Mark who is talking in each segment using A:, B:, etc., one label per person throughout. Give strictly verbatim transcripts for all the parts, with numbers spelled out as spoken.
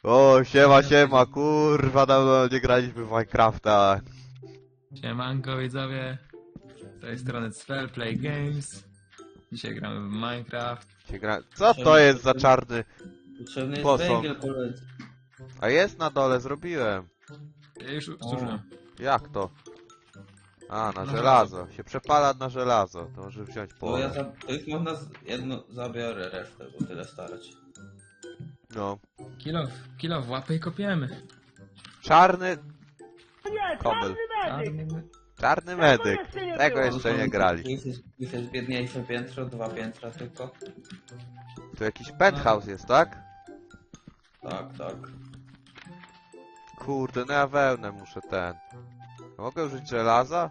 A: O, siema, siema, kurwa, dawno nie graliśmy w Minecrafta.
B: Siemanko widzowie, z tej strony Spell Play Games. Dzisiaj gramy w Minecraft.
A: Się gra... Co to jest za czarny
C: Potrzebny jest
A: posąg?
C: węgiel, koledzy.
A: A jest na dole, zrobiłem.
B: Ja już zużyłem.
A: Jak to? A, na
B: Na
A: żelazo. Się przepala na żelazo. To może wziąć
C: Bo No ja
A: połowę.
C: za... To już można z... jedno zabiorę resztę, bo tyle starać.
A: No.
B: Kilo, kilo w łapę i kopiemy.
A: Czarny...
D: Nie,
A: Kobel.
D: czarny medyk!
A: Czarny medyk. Tego
C: Tu
A: jeszcze
C: są-
A: nie grali.
C: Tu jest, tu jest biedniejsze piętro, dwa piętra tylko.
A: Tu jakiś penthouse jest, tak?
C: Tak, tak.
A: Kurde, no ja wełnę muszę ten. Mogę użyć żelaza?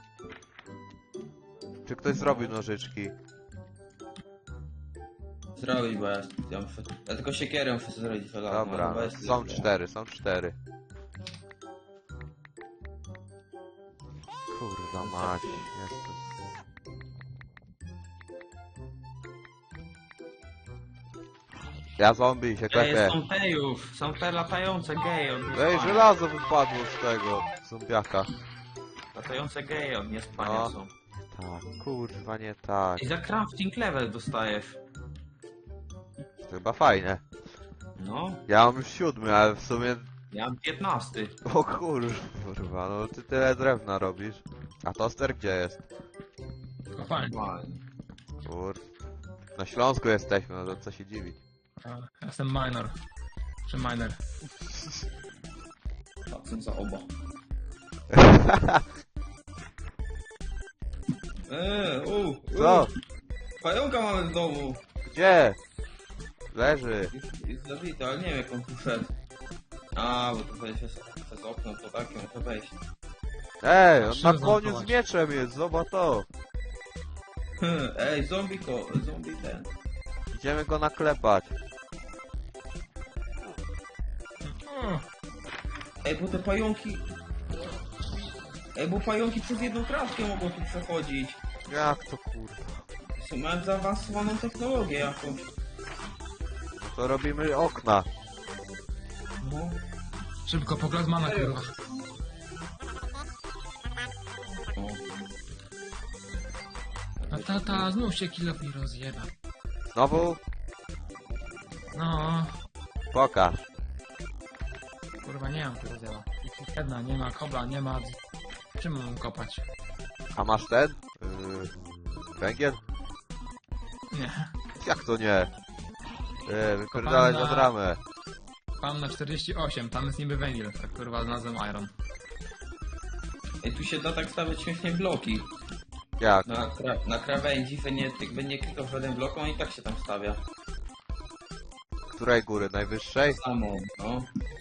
A: Czy ktoś zrobił nożyczki?
C: Zrobić, bo ja, ja muszę... Ja tylko siekierę muszę zrobić żelazną,
A: Dobra,
C: ale
A: no,
C: bez-
A: są cztery, są cztery. Kurwa mać, jestem. Ja zombie się
C: Ej,
A: klepię.
C: są tejów, są te latające geje od
A: Ej,
C: niespania.
A: żelazo wypadło z tego zombiaka.
C: Latające geje od niespania
A: No.
C: są.
A: Tak, kurwa nie tak.
C: I za crafting level dostajesz.
A: To chyba fajne.
C: No,
A: Ja mam już siódmy, ale w sumie...
C: ja mam piętnasty.
A: O kurwa, no ty tyle drewna robisz. A toster gdzie jest?
B: Kopalnie.
C: Fajnie.
A: Kur... Na Śląsku jesteśmy, no to co się dziwi.
B: Ja jestem minor. Czy miner.
C: Patrzę za oba. Eee, u, u.
A: Co?
C: Pająka mamy w domu.
A: Gdzie? Leży.
C: Jest, jest zabity, ale nie wiem jak on tu wszedł. A, bo tu wejść przez, przez okno, to takie muszę wejść.
A: Ej, on
B: Trzeba
A: na koniu z
B: zamkować.
A: mieczem jest, zobacz to.
C: Ej, zombie ko, zombie ten.
A: Idziemy go naklepać.
B: O,
C: Ej, bo te pająki... Ej, bo pająki przez jedną kratkę mogą tu przechodzić.
A: Jak to kurwa?
C: Są- Mają zaawansowaną technologię jakąś.
A: No to robimy okna.
C: No.
B: szybko po Glazmana kurwa.
C: No.
B: A tata znów się kilo mi rozjeba.
A: Znowu?
B: No,
A: Pokaż.
B: kurwa nie mam tu rozjeba. Jedna, nie ma kobla, nie ma... Czym mam kopać?
A: A masz ten? Yy, węgiel?
B: Nie.
A: Jak to nie? Yy, wypierdalać
B: Kopalnia.
A: od ramę.
B: Mam na czterdzieści osiem, tam jest niby węgiel. Tak kurwa znalazłem iron.
C: Ej, tu się da tak stawiać śmiesznie bloki.
A: Jak?
C: Na, kra na krawędzi, że nie, jakby nie klikał w żaden blok, on i tak się tam stawia.
A: Której góry? Najwyższej?
C: Samo, no.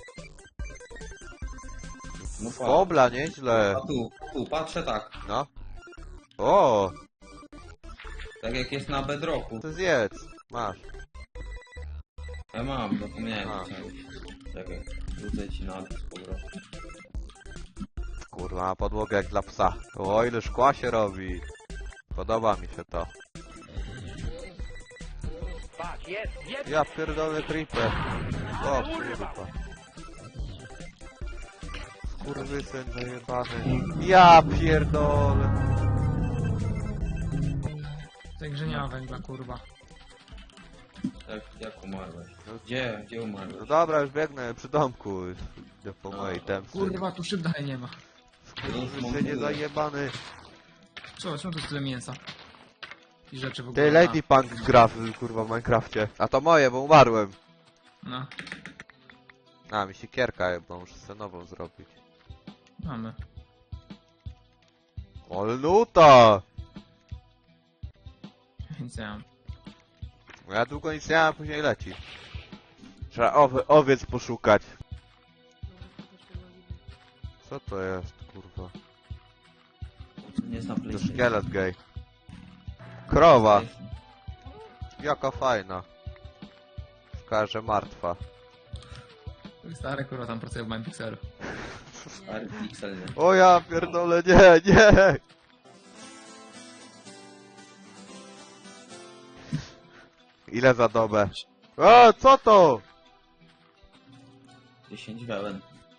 C: No patrz.
A: Kobla, nieźle.
C: A tu, tu, patrzę tak.
A: No. O,
C: Tak jak jest na bedrocku.
A: to zjedz. Masz.
C: Ja mam, zapomniałem.
A: A.
C: chciałem. Czekaj, rzucę ci na dół z powrotem.
A: Kurwa, na podłogę jak dla psa. O, ile szkła się robi. Podoba mi się to.
D: Patrz, jest, jest!
A: Ja pierdolę creeper. O, kurwa. Skurwysyn zajebany. Ja pierdolę.
B: W tej grze nie ma węgla kurwa.
C: Tak, jak umarłeś? Gdzie, gdzie
A: No
C: umarłeś?
A: dobra, już biegnę przy domku. Idę po mojej temce.
B: Kurwa tu szyb dalej nie ma.
A: Skurwysynie zajebany.
B: Co, czemu tu tyle mięsa? I rzeczy w ogóle.
A: Ty, Lady Punk gra w, kurwa w Minecrafcie. A to moje, bo umarłem.
B: No,
A: A, mi siekierka, bo muszę sobie nową zrobić.
B: mamy.
A: Olnuta!
B: Nic nie mam.
A: No ja długo nic nie mam, a później leci. Trzeba owy, owiec poszukać. Co to jest, kurwa?
C: Nie znam
A: To
C: PlayStation.
A: szkielet gej. Krowa! Jaka fajna. Szkoda, że martwa.
B: Stary kurwa tam pracuje w moim pixelu.
C: Stary pixel, nie?
A: O ja pierdolę, nie, nie! Ile za dobę? O, co to?
C: dziesięć wełen.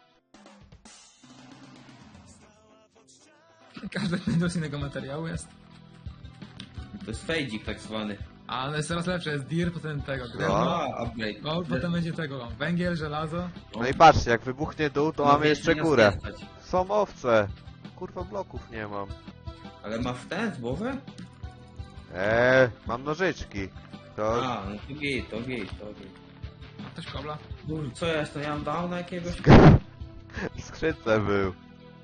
B: Każdy ten z innego materiału jest.
C: To jest fejdzik tak zwany.
B: Ale jest coraz lepsze, jest dir, potem tego,
A: No.
B: drewno,
C: A, upgrade.
B: gold, potem będzie tego, węgiel, żelazo.
A: No i patrzcie, jak wybuchnie dół, to
C: No,
A: mamy
C: wiesz,
A: jeszcze
C: nie
A: górę.
C: stać.
A: Są owce. Kurwa, bloków nie mam.
C: Ale ma w ten, w głowę?
A: Eee, mam nożyczki. To...
C: A, no to git, to git, to git.
B: Ma ktoś kobla?
C: Kur, co ja jestem, ja mam downa jakiegoś?
A: W skrzynce był.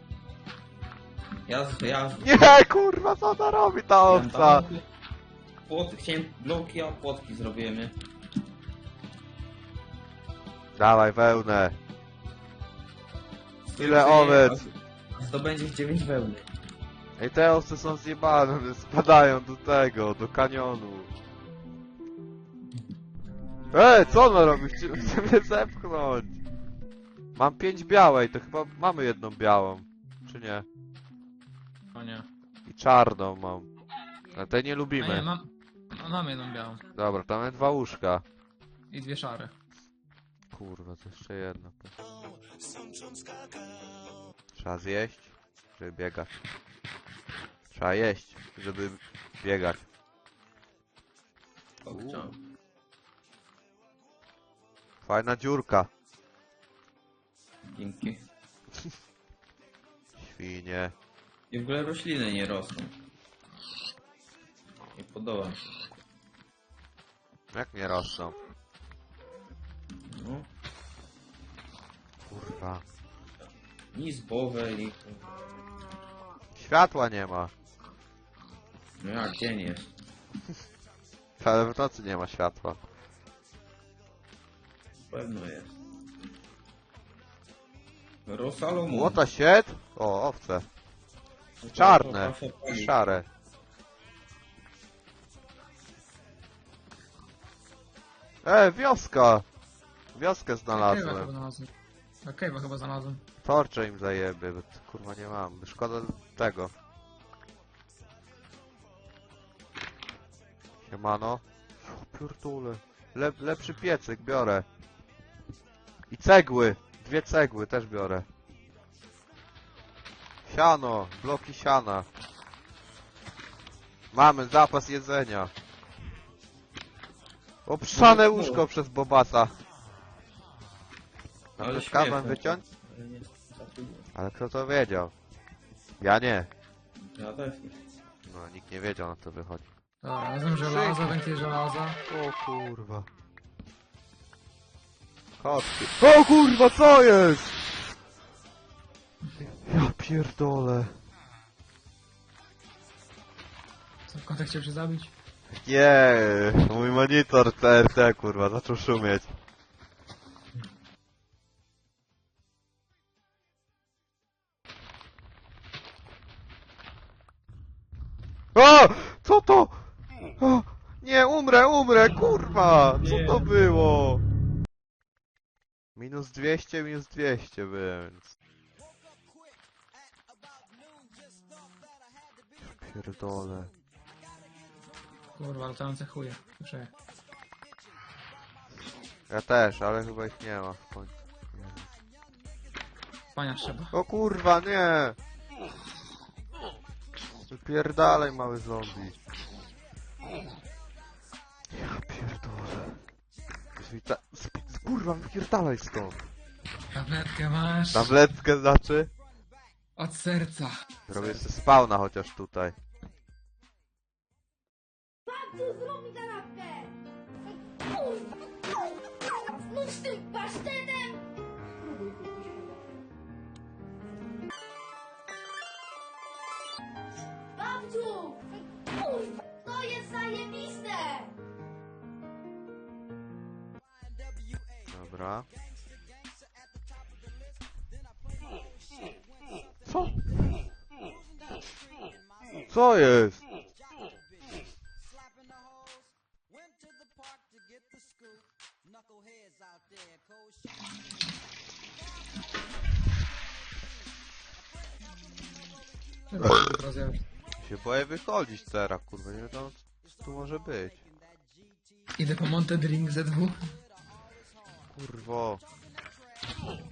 C: Ja, z- ja, z-
A: Nie, kurwa, co ona robi ta
C: ja mam
A: owca?
C: downy. Płot, chciałem bloki, a płotki zrobiłem, nie?
A: Dawaj wełnę. Ile
C: Ty,
A: owiec?
C: a Zdobędziesz dziewięć wełny.
A: Ej, te owce są zjebane, one spadają do tego, do kanionu. Ej, co ona robi? Chce chce mnie zepchnąć. Mam pięć białej, to chyba mamy jedną białą. Czy nie?
B: O nie.
A: I czarną mam. Ale tej nie
B: A nie,
A: lubimy.
B: mam, no, mam jedną białą.
A: Dobra, tam mamy dwa łóżka.
B: I dwie szare.
A: Kurwa, to jeszcze jedno. Trzeba zjeść, żeby biegać. Trzeba jeść, żeby biegać.
C: O,
A: Uuu.
C: chciałem.
A: Fajna dziurka.
C: Dzięki.
A: Świnie.
C: I w ogóle rośliny nie rosną. Nie podoba mi się.
A: Jak nie rosną?
C: No,
A: Kurwa.
C: ni zbowe, ni...
A: Światła nie ma.
C: No jak, dzień jest.
A: Ale w nocy nie ma światła.
C: Pewno jest. Rosalomu.
A: Młota sied? O, owce. Czarne. Szare. E, wioska! Wioskę
B: Cave'a
A: znalazłem.
B: chyba znalazłem. A Cave'a chyba znalazłem.
A: Torcze im zajebie, bo t- kurwa nie mam. Szkoda tego. Siemano. O, pierdule. Le lepszy piecyk biorę. I cegły. Dwie cegły też biorę. Siano. Bloki siana. Mamy zapas jedzenia. Obszane łóżko przez Bobasa.
C: Ale
A: Ale skazam
C: śmieszne.
A: wyciąć?
C: Ale nie, zatrudnię.
A: Ale kto to wiedział? Ja nie.
C: Ja też nie.
A: No, nikt nie wiedział, na co wychodzi.
B: Dobra, razem żelaza, węgiel żelaza.
A: O kurwa. Chodźcie. O kurwa, co jest? Ja pierdolę.
B: Co, kotek chciał się zabić?
A: Nie, mój monitor C R T kurwa, zaczął szumieć. O! Co to? O! Nie, umrę, umrę, kurwa! Co to było? Minus dwieście, minus dwieście byłem, więc... Ja pierdolę.
B: Kurwa, latające chuje. Słyszę.
A: Ja też, ale chyba ich nie ma w końcu.
B: Pania trzeba.
A: O kurwa, nie! Wypierdalaj, mały zombie. Ja pierdolę. Zwita... Sp- Kurwa, wypierdalaj stąd.
B: Tabletkę masz.
A: Tabletkę znaczy?
B: Od serca.
A: Robię sobie spawna chociaż tutaj.
E: Tu zrób kanapkę! Kurwa! Znów z tym pasztetem! Babciu! Kurwa! To jest zajebiste!
A: Dobra. Co? Co jest?
B: Rozjawisz.
A: Się boję wychodzić teraz, kurwa, nie wiadomo co tu może być.
B: Idę po Monte Drink Z W.
A: Kurwo.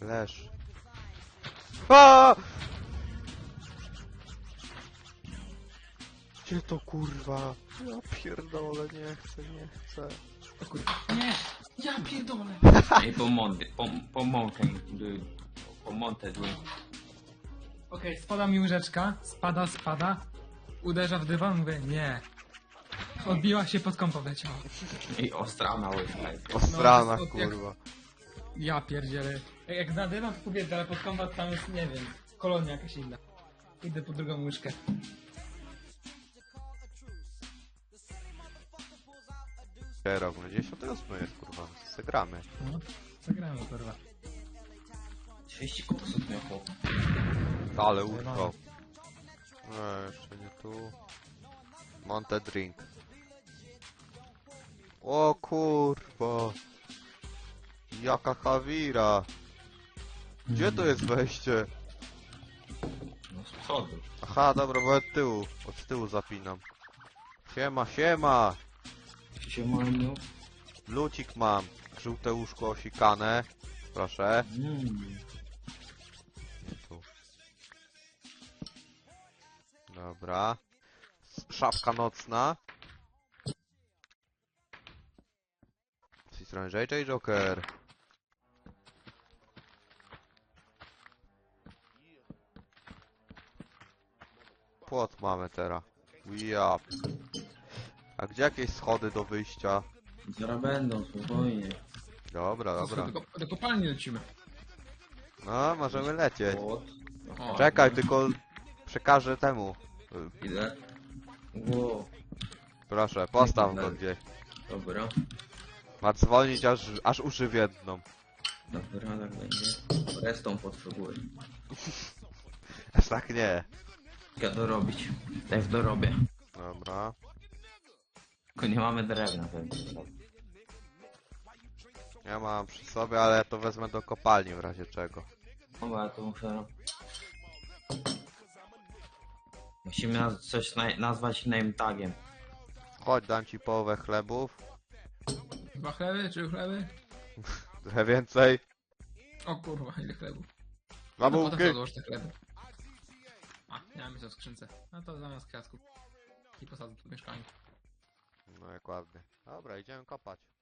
A: Leż. A! Gdzie to kurwa? Ja pierdolę, nie chcę, nie chcę.
B: O kurwa. Nie! Ja pierdolę!
C: Ej, po Monte, po, po Monte, po Monte,
B: Okej, spada mi łyżeczka, spada, spada, uderza w dywan, mówię nie. Odbiła się, pod kąpą leciała.
C: i ostrana łyżka.
A: Ostrana,
B: No, to jest-
A: kurwa.
B: Ja pierdzielę. Jak, jak na dywan to kobieta, ale pod kąpą tam jest, nie wiem, kolonia jakaś inna. Idę po drugą łyżkę.
A: Rok dziewięćdziesiąty ósmy jest, kurwa. Zagramy.
B: No, zagramy kurwa.
C: trzydzieści kursów miał chłop.
A: Ale urwał. No, jeszcze nie tu. Monte drink. O kurwa. Jaka Hawira. Gdzie to jest wejście?
C: No z przodu.
A: Aha, dobra, bo od tyłu. Od tyłu zapinam. Siema, siema.
C: Siemaniu.
A: Lucik mam. Żółte łóżko osikane. Proszę.
C: Mm.
A: Tu. Dobra. S- Szafka nocna. Z tej strony J J Joker. Płot mamy teraz. Ja. A gdzie jakieś schody do wyjścia?
C: Zaraz będą, spokojnie.
A: Dobra, dobra.
B: Do, do kopalni lecimy.
A: No, możemy lecieć.
C: Płot.
B: O,
A: Czekaj, tylko przekażę temu. Y,
C: Ile? Ło,
A: Proszę, postaw go gdzieś.
C: dobra.
A: Ma dzwonić aż, aż uszy wiedną.
C: Dobra, tak będzie. Restą potrzebuję.
A: Aż tak nie.
C: Ja dorobić. Tak dorobię.
A: Dobra.
C: Tylko nie mamy drewna pewnie.
A: Ja mam przy sobie, ale to wezmę do kopalni w razie czego.
C: Dobra, to muszę... Musimy naz- coś na nazwać name tagiem.
A: Chodź, dam ci połowę chlebów.
B: Dwa chleby, trzy chleby?
A: Trochę więcej.
B: O kurwa, ile chlebów.
A: Dwa
B: No potem
A: bułki.
B: odłoż te chleby. A, nie mamy co w skrzynce. No to zamiast kwiatków. I posadzę tu w mieszkaniu.
A: No jak ładnie. Dobra, idziemy kopać.